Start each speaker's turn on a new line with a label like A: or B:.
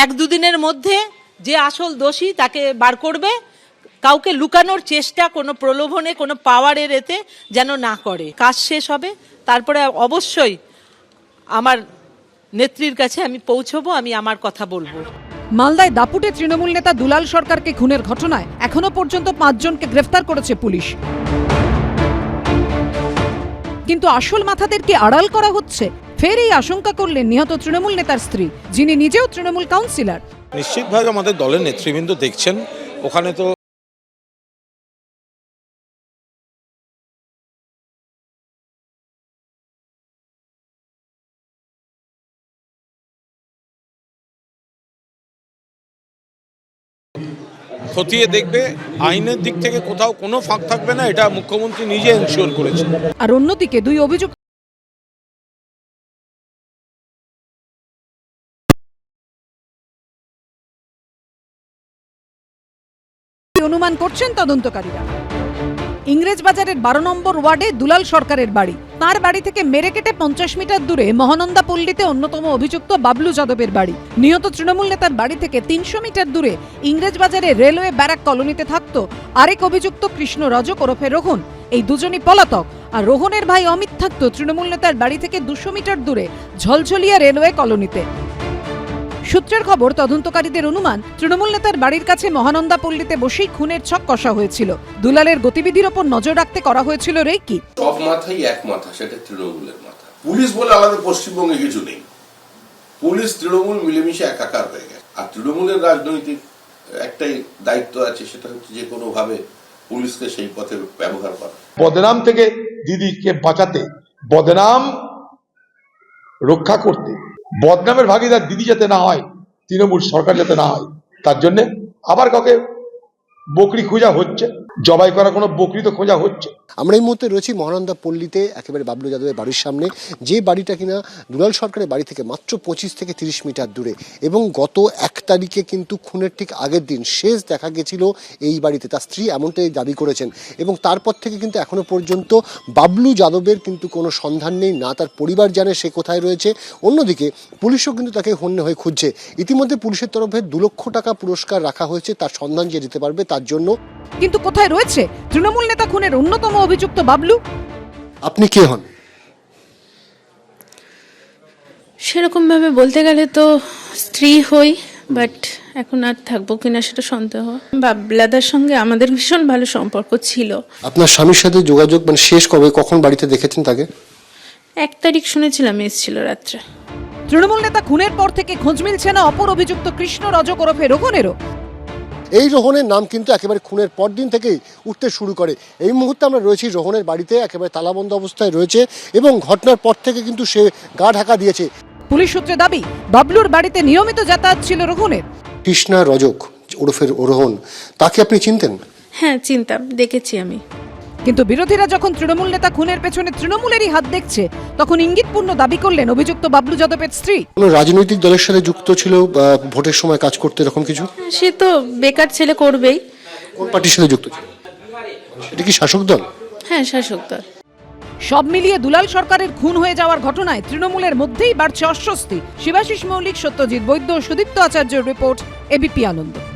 A: 1-2 দিনের মধ্যে যে আসল দোষী তাকে বার করবে, কাউকে লুকানোর চেষ্টা কোনো প্রলোভনে কোনো পাওয়ারের এতে যেন না করে। কাজ শেষ হবে, তারপরে অবশ্যই আমার নেত্রীর কাছে আমি পৌঁছবো, আমি আমার কথা বলবো।
B: মালদায় দাপুটে তৃণমূল নেতা দুলাল সরকারকে খুনের ঘটনায় এখনো পর্যন্ত 5 জনকে গ্রেফতার করেছে পুলিশ, কিন্তু আসল মাথাদেরকে আড়াল করা হচ্ছে। ফের এই আশঙ্কা করলেন নিহত তৃণমূল নেতার স্ত্রী, যিনি নিজেও তৃণমূল কাউন্সিলর।
C: নিশ্চিতভাবে আমাদের দলের নেতৃবৃন্দ দেখছেন, ওখানে তো খতিয়ে দেখবে, আইনের দিক থেকে কোথাও কোনো ফাঁক থাকবে না, এটা মুখ্যমন্ত্রী নিজে এনশিওর করেছেন।
B: আর অন্যদিকে 2 অভিযুক্ত অনুমান করছেন তদন্তকারীরা। ইংরেজবাজারের 12 নম্বর ওয়ার্ডে দুলাল সরকারের বাড়ি, তার বাড়ি থেকে মেরে কেটে 50 মিটার দূরে মহানন্দা পল্লীতে অন্যতম অভিযুক্ত বাবলু যাদবের বাড়ি। নিহত তৃণমূল নেতার বাড়ি থেকে 300 মিটার দূরে ইংরেজবাজারে রেলওয়ে ব্যারাক কলোনিতে থাকতো আরেক অভিযুক্ত কৃষ্ণ রজক ওরফে রোহন। এই দুজনই পলাতক। আর রোহনের ভাই অমিত থাকতো তৃণমূল নেতার বাড়ি থেকে 200 মিটার দূরে ঝলঝলিয়া রেলওয়ে কলোনিতে। সূত্রের খবর, তদন্তকারীদের অনুমান তৃণমূল নেতার বাড়ির কাছে মহানন্দা পল্লীতে বসেই খুনের ছক কষা হয়েছিল। দুলালের গতিবিধির ওপর নজর রাখতে করা হয়েছিল রেকি।
D: সব মাথাই এক মাথা, সেটা তৃণমূলের মাথা। পুলিশ বলে আলাদা পশ্চিমবঙ্গে কিছু নেই, পুলিশ তৃণমূল মিলেমিশে একাকার হয়ে গেছে। আর তৃণমূলের রাজনৈতিক একটাই দায়িত্ব আছে, সেটা হচ্ছে যে কোনো ভাবে পুলিশকে সেই পথে ব্যবহার করা।
E: বদনাম থেকে দিদিকে বাঁচাতে, বদনাম রক্ষা করতে, বদনামের ভাগিদার দিদি যাতে না হয়, তৃণমূল সরকার যাতে না হয়, তার জন্য আবার কাউকে বকরি খোঁজা হচ্ছে, জবাই করা কোনো বকরি তো খোঁজা হচ্ছে।
F: আমরা এই মুহূর্তে রয়েছি মহানন্দা পল্লীতে, একেবারে বাবলু যাদবের বাড়ির সামনে, যে বাড়িটা কিনা দুলাল সরকারের বাড়ি থেকে মাত্র 25 থেকে 30 মিটার দূরে। এবং গত 1 তারিখে কিন্তু খুনের ঠিক আগের দিন শেষ দেখা গেছিল এই বাড়িতে, তার স্ত্রী এমনটাই দাবি করেছেন। এবং তারপর থেকে কিন্তু এখনো পর্যন্ত বাবলু যাদবের কিন্তু কোনো সন্ধান নেই, না তার পরিবার জানে সে কোথায় রয়েছে। অন্যদিকে পুলিশও কিন্তু তাকে হন্যে হয়ে খুঁজছে। ইতিমধ্যে পুলিশের তরফে 2 লক্ষ টাকা পুরস্কার রাখা হয়েছে তার সন্ধান যে দিতে পারবে তার জন্য।
B: কিন্তু কোথায় রয়েছে তৃণমূল নেতা খুনের অন্যতম অভিযুক্ত বাবলু?
F: আপনি কে হন?
G: সেরকম ভাবে বলতে গেলে তো স্ত্রী হই, বাট এখন আর থাকবো কিনা সেটা সন্দেহ। বাবলাদার সঙ্গে আমাদের ভীষণ ভালো সম্পর্ক ছিল।
F: আপনার স্বামীর সাথে যোগাযোগ মানে শেষ কবে, কখন বাড়িতে দেখেছেন তাকে?
G: 1 তারিখ শুনেছিলাম এসেছিল রাত্রে।
B: তৃণমূল নেতা খুনের পর থেকে খোঁজ মিলছে না অপর অভিযুক্ত কৃষ্ণ রজক ওরফে রোহনেরও।
F: এই রোহনের নাম কিন্তু একেবারে খুনের পর দিন থেকেই উঠতে শুরু করে। এই মুহূর্তে আমরা রয়েছি রোহনের বাড়িতে, একেবারে তালাবন্ধ অবস্থায় রয়েছে এবং ঘটনার পর থেকে কিন্তু সে গা ঢাকা দিয়েছে।
B: পুলিশ সূত্রে দাবি, বাবলুর বাড়িতে নিয়মিত যাতায়াত ছিল রোহনের।
F: কৃষ্ণা রজক ওরফের রোহন, তাকে আপনি চিনতেন?
G: হ্যাঁ চিনতাম, দেখেছি আমি।
B: কিন্তু বিরোধীরা যখন তৃণমূল নেতা খুনের পেছনে তৃণমূলেরই হাত দেখছে, তখন ইঙ্গিতপূর্ণ দাবি করলেন অভিযুক্ত বাবলু যাদবের স্ত্রী।
F: কোনো রাজনৈতিক দলের সাথে যুক্ত ছিল, ভোটের সময় কাজ করতে, এরকম কিছু?
G: সে তো বেকার ছেলে, করবেই।
F: কোন পার্টির সাথে যুক্ত ছিল? এটা কি শাসক দল?
G: হ্যাঁ শাসক দল।
B: সব মিলিয়ে দুলাল সরকারের খুন হয়ে যাওয়ার ঘটনায় তৃণমূলের মধ্যেই বাড়ছে অস্বস্তি। শিবাশিস মৌলিক, সত্যজিৎ বৈদ্য, সুদীপ্ত আচার্যের রিপোর্ট, এবিপি আনন্দ।